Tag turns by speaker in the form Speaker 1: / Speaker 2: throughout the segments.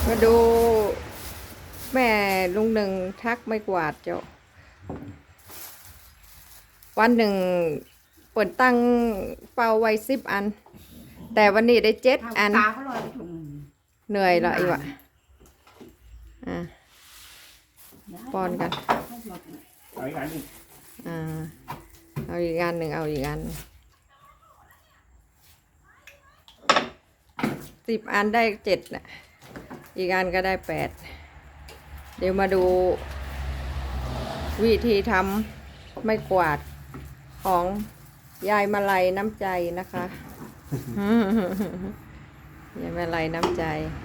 Speaker 1: มาดูแม่ลุงหนึ่งทักไม่กวาดเจ้าวันหนึ่งเปิดตั้งเป้าไว้10 อัน แต่วันนี้ได้7 อันเหนื่อยละอีวะป้อนกัน
Speaker 2: เอาอีกอันหนึ่ง
Speaker 1: เอาอีกอันหนึ่งเอาอีกอัน10 อันได้7น่ะอีกอันก็ได้8เดี๋ยวมาดูวิธีทำไม่กวาดของยายมาลัยน้ำใจนะคะยายมาลัยน้ำใจ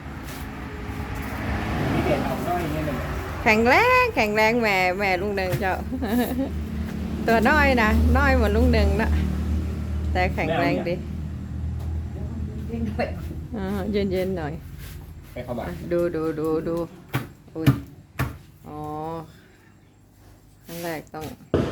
Speaker 2: มีเด็ดออกน้อยนี่เลย
Speaker 1: แข็งแรงแม่ลุงหนึ่งเจ้า ตัวน้อยนะน้อยเหมือนลุงหนึ่งนะแต่แข็งแรงดีเย็นหน่อย
Speaker 2: ไปเข้ามา
Speaker 1: ดูอุ้ยอ๋อครั้งแรกต้อง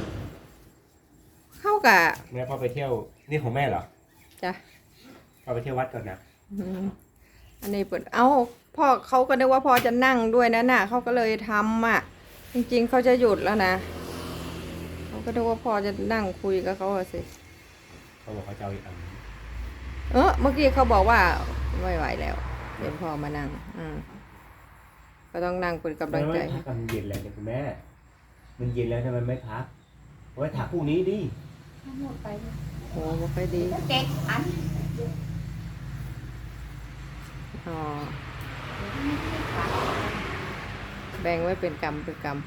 Speaker 1: เข้ากับ
Speaker 2: แม่พ่อไปเที่ยวนี่ของแม่เหรอ
Speaker 1: จ้ะ
Speaker 2: พ่อไปเที่ยววัดก่อนนะ
Speaker 1: อันนี้เปิดพ่อเขาก็นึกว่าพ่อจะนั่งด้วยนะน่ะเขาก็เลยทำอ่ะจริงๆเขาจะหยุดแล้วนะเขาก็นึกว่าพ่อจะนั่งคุยกับเขาสิ
Speaker 2: เขาบอกเขาจะเอาอีกอัน
Speaker 1: เมื่อกี้เขาบอกว่าไม่ไหวแล้วเห็นพ่อมานั่งก็ต้องนั่งเป็นกำลังใจ
Speaker 2: มันเย็นแล้วเนี่ยคุณแม่มันเย็นแล้วทำไมไม่พักไว้ถากพรุ่งนี้ดิ
Speaker 1: หมดไปโอ้ไม่ค่อยดี
Speaker 3: 7 อัน
Speaker 1: แบ่งไว้เป็นกรรม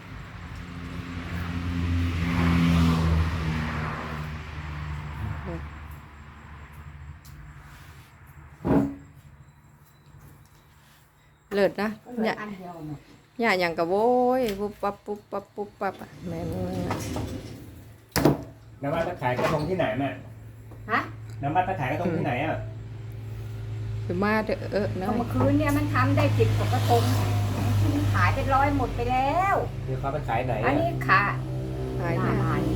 Speaker 1: เลิศนะเนี่ยอย่างกับโว้ยปุ๊บปั๊บแม่
Speaker 2: น้ำมันตะขายกระทงที่ไหนแม่น้ำมันตะขายกระทงที่ไหนอ่ะ
Speaker 1: คือมาเถอะ
Speaker 3: นะเมื่อคืนเนี่ยมันทำได้10 กว่ากระทงขายเป็น100หมดไปแล้ว
Speaker 2: เดี๋ยวเขาไปขายไหน
Speaker 3: อันนี้ขาย
Speaker 1: หน้า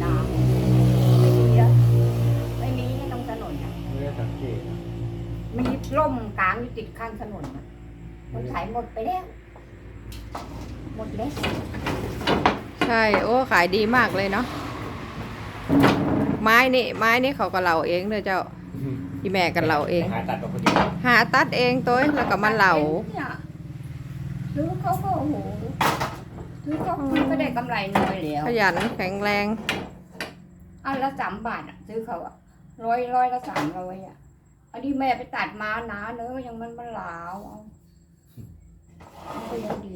Speaker 3: ไม่มีตรงถนนนะ
Speaker 2: ไม่ได้สังเกต
Speaker 3: มีร่มกลางอยู่ติดข้างถนนนะมันขายหมดไปแล้วหมดแล้ว
Speaker 1: ใช่โอ้ขายดีมากเลยเนาะไม้นี่เขาก็เหลาเองเลยเจ้าพี่แม่กันเหลาเองหาตัดเองตัวแล้วก็มาเหลา
Speaker 3: ซื้อเขาก็โอ้โหซื้อเขาก็ได้กำไรน้อยแล้ว
Speaker 1: ขยันแข็งแรง
Speaker 3: อันละ3 บาทอ่ะซื้อเขาอ่ะร้อยละ300อ่ะอันนี้แม่ไปตัดมาหนาเนอะยังมันเหลาก็ยังดี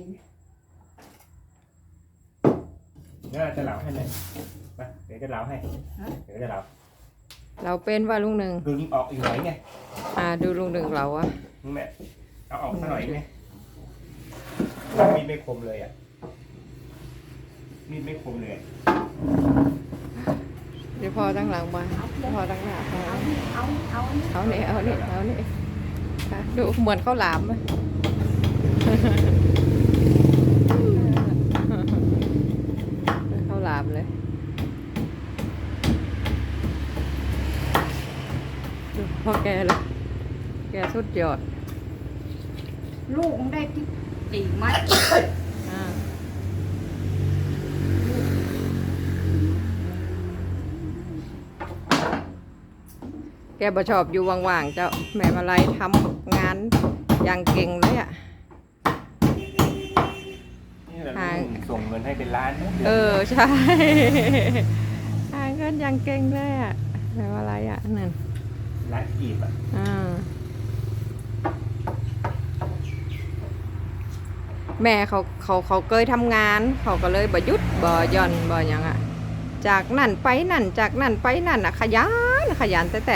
Speaker 2: น่าจะเหลาให้เลยไปเดี๋ยวจะเหลาให้เดี๋ยวจะเหลา
Speaker 1: เราเป็นว่าลุงหนึ่ง
Speaker 2: ดูออกอีกหน่อยไง
Speaker 1: ดูลุงหนึ่งเราอะ
Speaker 2: แม่เอาออกสักหน่อยไงมีดไม่คมเลยอ่ะมีดไม่คมเลย
Speaker 1: เดี๋ยวพอตั้งหลังมาพอตั้งหน้าเอาเนี่ยดูเหมือนข้าวหลามเลยข้าวหลามเลยพอแกเลยแกสุดยอด
Speaker 3: ลูกได้ที่4 มัด
Speaker 1: แกบ่ชอบอยู่ว่างๆเจ้าแม่มาลัยทำงานอย่างเก่งเลยอ่ะ
Speaker 2: ส่งเงินให้เป็นล้าน
Speaker 1: ใช่หาเงินอย่างเก่งเลยอ่ะแม่มาลัยอ่ะนั่น
Speaker 2: ล้านกีบอ่ะ
Speaker 1: แม่เขาเคยทำงานเขาก็เลยบ่หยุดบ่หย่อนบ่อย่างอ่ะจากนั่นไปนั่นจากนั่นไปนั่นอ่ะขยันแต่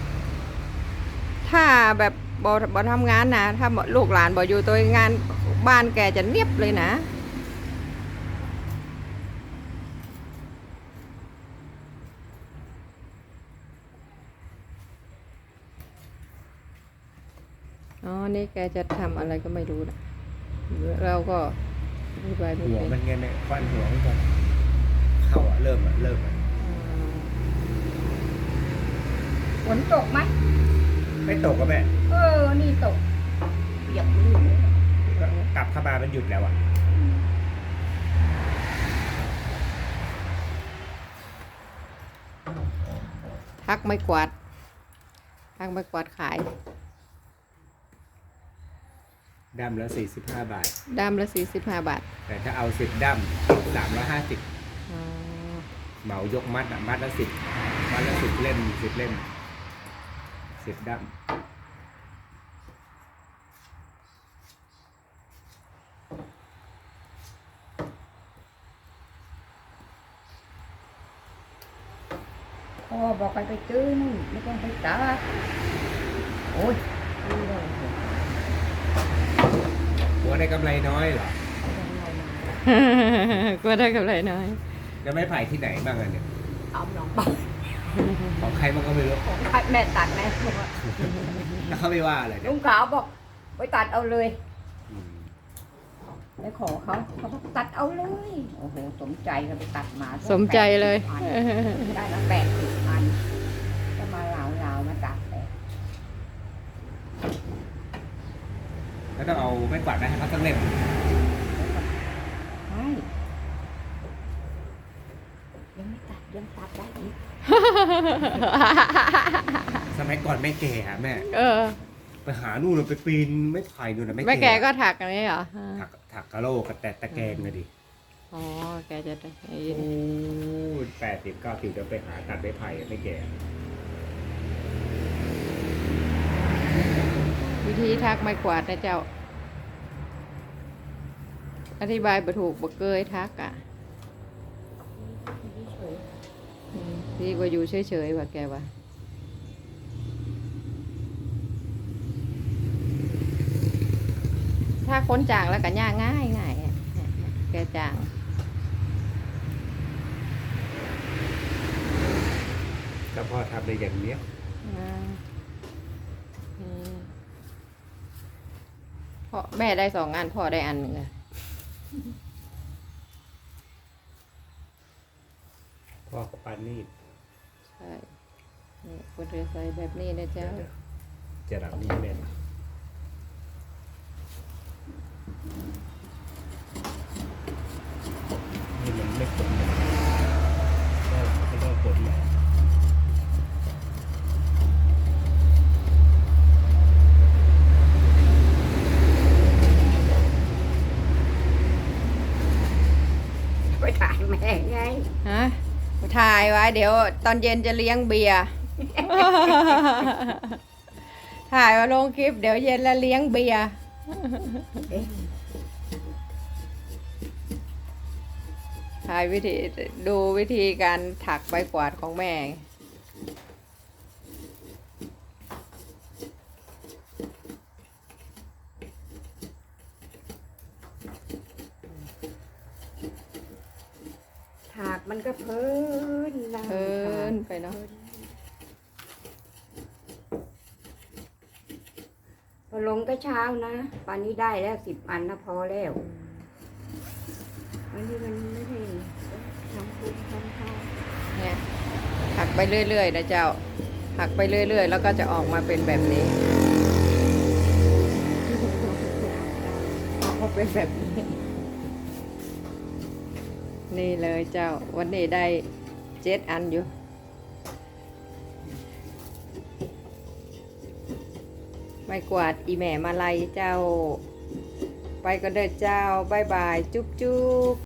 Speaker 1: ถ้าแบบบ่ทำงานนะถ้าลูกหลานบ่อยู่ตัวงานบ้านแกจะเนียบเลยนะนี่แกจะทำอะไรก็ไม่รู้นะเราก็
Speaker 2: หัวมันเงี้ยเนี่ยฟันหัวไม่พอเข้าเริ่ม
Speaker 3: ฝนตกไหม
Speaker 2: ไม่ตกก็แม่
Speaker 3: นี่ตกเปียกเลย
Speaker 2: เข้ามามันหยุดแล้วอ่ะ
Speaker 1: ทักไม่กวาดทักไม่กวาดขาย
Speaker 2: ดั้มละ45 บาท
Speaker 1: ด้ามละ45 บาท
Speaker 2: แต่ถ้าเอา10ดั้ม350
Speaker 1: อ๋อ
Speaker 2: เหมายกมัดอ่ะมัดละ10มัดละ10 เล่ม10 เล่ม10ดั้ม
Speaker 3: พ่อบอกไปซื้อนู่นไม่ต้องไปตัดโอ้ยซื้อเลย
Speaker 2: หัวได้กำไรน้อยเหรอ
Speaker 1: ก็ได้กำไรน้อย
Speaker 2: จะไม่ไผ่ที่ไหนบ้างอะเนี่ย
Speaker 3: เอาหนองไป
Speaker 2: ของใครมันก็ไม่รู้
Speaker 3: ของแม่ตัดแม่บอกว่า
Speaker 2: แล้วเขาไม่ว่าอะไรเนี่
Speaker 3: ลุ
Speaker 2: ย
Speaker 3: งขาวบอกไปตัดเอาเลย
Speaker 2: อืม
Speaker 3: ไปขอเขาบอกตัดเอาเลยโอ้โหสมใจก็ไปตัดมา
Speaker 1: สมใจเลย
Speaker 3: ได้ละ80,000ก็มาเหลามาตัดแต่
Speaker 2: แล้วต้องเอาไม้กวาดไปให้เขาสักเล่ม
Speaker 3: ใช่ยังไม่ตัดยังตัดได้อีก
Speaker 2: สมัยก่อนไม่แก่อะแม่
Speaker 1: เออ
Speaker 2: ไปหานู่นน่ะไปปีนไม่ไผ่นู่นน่ะ
Speaker 1: แม่แกก็ถักอย่างนี้เหรอ
Speaker 2: ถักกะโหลกกับแต่ตะแกรงเลยดิ
Speaker 1: อ๋อ แกจะได้
Speaker 2: โอ้80-90จะไปหาตัดไม้ไผ่อะไม่แก่
Speaker 1: วิธีทักไม่กวาดนะเจ้า อธิบายบ่ถูกบ่เกยทักอ่ะดีกว่าอยู่เฉยๆว่าแกว่าถ้าค้นจางแล้วก็ย่างง่ายง่ายอะแกจาง
Speaker 2: ก็พ่อทำได้อย่างเนี้ย
Speaker 1: อ่าพ่อแม่ได้2 อันพ่อได้อันหนึ่งอะ
Speaker 2: พ่อกับปานนี่
Speaker 1: ใช่นี่คนเรือใส่แบบนี้นะเจ้า
Speaker 2: จะรับนี่แม่นนี่มันไม่ขมนะก็ต้องขมหน่อย
Speaker 3: ไปถ่ายแม่ไง
Speaker 1: ฮะถ่ายไว้เดี๋ยวตอนเย็นจะเลี้ยงเบียร์ ถ่ายมาลงคลิปเดี๋ยวเย็นแล้วเลี้ยงเบียร์ถ่ายวิธีดูวิธีการถักใบกวาดของแม่
Speaker 3: ถากมันก็เพลินนะ
Speaker 1: เพิ่นไปเนาะ
Speaker 3: พอลงก็เช้านะป่านนี้ได้แล้ว10 อันนะพอแล้วอันนี้มันไม่ได้ทำคุณทำข้าว
Speaker 1: เนี่ยถักไปเรื่อยๆนะเจ้าถักไปเรื่อยๆแล้วก็จะออกมาเป็นแบบนี้ออกมาเป็นแบบนี้ นี่เลยเจ้าวันนี้ได้7 อันอยู่ไม่กวาดอีแม่มาลัยเจ้า ไปก็เด้อเจ้าบายบายจุ๊บจุ๊บ